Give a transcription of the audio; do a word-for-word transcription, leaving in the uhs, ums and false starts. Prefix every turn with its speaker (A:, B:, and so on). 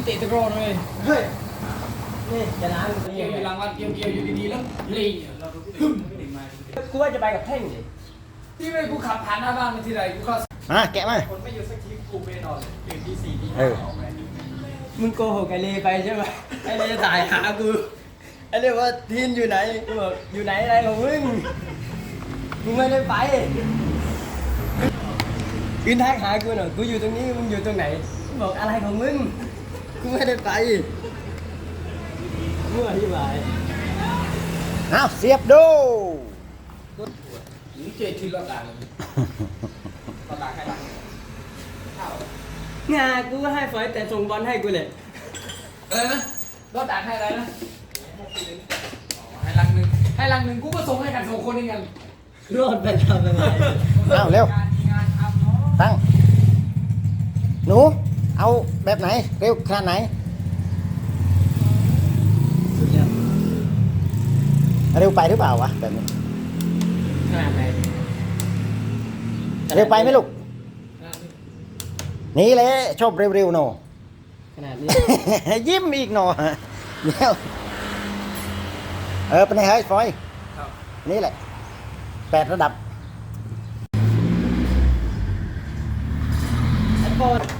A: ตะตะกร้อเลย
B: เฮ้ยนี่จะล้าง
A: เกี่ยวอยู่หลังวัดเกี่ยวเกี่ยวอยู่ดีๆแล้วลี
B: กูว่าจะไปกับเท่งดิ
A: ที่ไม่กูขับผ่านหน้าบ้านมาทีไรกูก็
C: มาแกะมา
A: คนไม่อยู่สักทีกูไปนอนตื่นที่สี่ที่
C: เอ
A: ห้า
C: อ
A: ออกไป
B: มึงโกหกไอเลไปใช่ไหมไอเลถ่ายหากูไอเลว่าทีนอยู่ไหนกูบอกอยู่ไหนอะไรของมึงกูไม่ได้ไปกินทักหากูหน่อยกูอยู่ตรงนี้มึงอยู่ตรงไหนกูบอกอะไรของมึงกูไม่ได้ไปมั่วที่ไหน
C: เอาเสียบดู
A: หรือเจทีรถด่างเลยรถด่างให้ด่างข้าว
B: งากูก็ให้ฟอยแต่ส่งบอลให้กูเลย
A: อะไรนะรถด่างให้อะไรนะให้ลังหนึ่งให้ลังหนึ่งกูก็ส่งให้กันสองคนเองกัน
B: รอดไปทำอะไร
C: เอาเร็ว
A: งานมีงานทำเนาะ
C: ตั้งหนูเอาแบบไหนเร็วขนาดไหนเร็วไปหรือเปล่าวะแบบนี้
B: ขนาดไหน
C: เร็วไปไหมลูกนี่แหละชอบเร็วๆหนอ
B: ขนาดนี้
C: ยิ้มอีกหนอเดี๋ยวเออเป็นไงเฮ้ยฟอย
A: ครับ
C: นี่แหละแปดระดับ
B: ไอโฟน